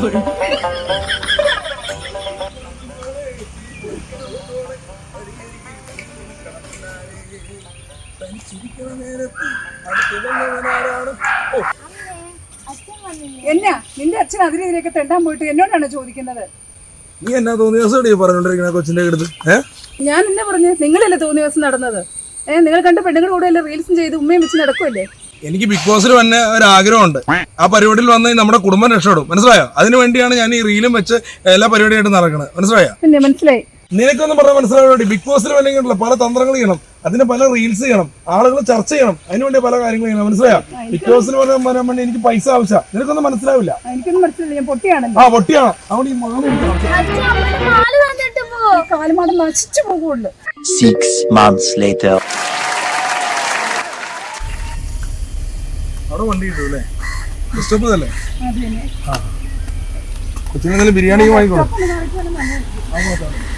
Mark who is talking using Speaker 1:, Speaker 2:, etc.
Speaker 1: എന്നാ നിന്റെ അച്ഛൻ അതിനെതിരെയൊക്കെ തെണ്ടാൻ പോയിട്ട് എന്നോടാണ് ചോദിക്കുന്നത്?
Speaker 2: നീ എന്നാ തോന്നിയ ദിവസം പറഞ്ഞോണ്ടിരിക്കണ കൊച്ചിന്റെ അടുത്ത്?
Speaker 1: ഞാൻ എന്നാ പറഞ്ഞു? നിങ്ങളല്ലേ തോന്നിയ ദിവസം നടന്നത്? നിങ്ങൾ കണ്ട പെണ്ണുങ്ങളുടെ കൂടെ അല്ലേ റീൽസും ചെയ്ത് ഉമ്മയും വെച്ച് നടക്കുമല്ലേ?
Speaker 2: എനിക്ക് ബിഗ് ബോസിൽ വന്ന ഒരു ആഗ്രഹമുണ്ട്. ആ പരിപാടിയിൽ വന്ന് നമ്മുടെ കുടുംബം രക്ഷപ്പെടും. മനസ്സിലായോ? അതിനു വേണ്ടിയാണ് ഞാൻ ഈ റീലും വെച്ച് എല്ലാ പരിപാടിയായിട്ട് നടക്കുന്നത്. മനസ്സിലായോ?
Speaker 1: പിന്നെ മനസ്സിലായി.
Speaker 2: നിനക്കൊന്നും പറഞ്ഞാൽ മനസ്സിലാവുന്നുണ്ട്. ബിഗ് ബോസിൽ വന്നെങ്കിലുള്ള പല തന്ത്രങ്ങൾ ചെയ്യണം, അതിന് പല റീൽസ് ചെയ്യണം, ആളുകൾ ചർച്ച ചെയ്യണം, അതിനുവേണ്ടി പല കാര്യങ്ങൾ ചെയ്യണം. മനസ്സിലായോ? ബിഗ് ബോസിൽ വരാൻ വേണ്ടി എനിക്ക് പൈസ ആവശ്യം. നിനക്കൊന്നും മനസ്സിലാവില്ല.
Speaker 1: എനിക്കൊന്നും മനസ്സിലായില്ല. ഞാൻ പൊട്ടിയാണ്.
Speaker 2: പൊട്ടിയാണ്. അവിടെ ഈ
Speaker 1: കാലുമാടം നശിച്ചു പോകുള്ളൂ.
Speaker 3: 6 months later.
Speaker 2: അവിടെ വണ്ടി കിട്ടും അല്ലേ? ഇഷ്ടപ്പെട്ടതല്ലേ? കൊച്ചിനെന്തായാലും ബിരിയാണി വാങ്ങിക്കോളൂ.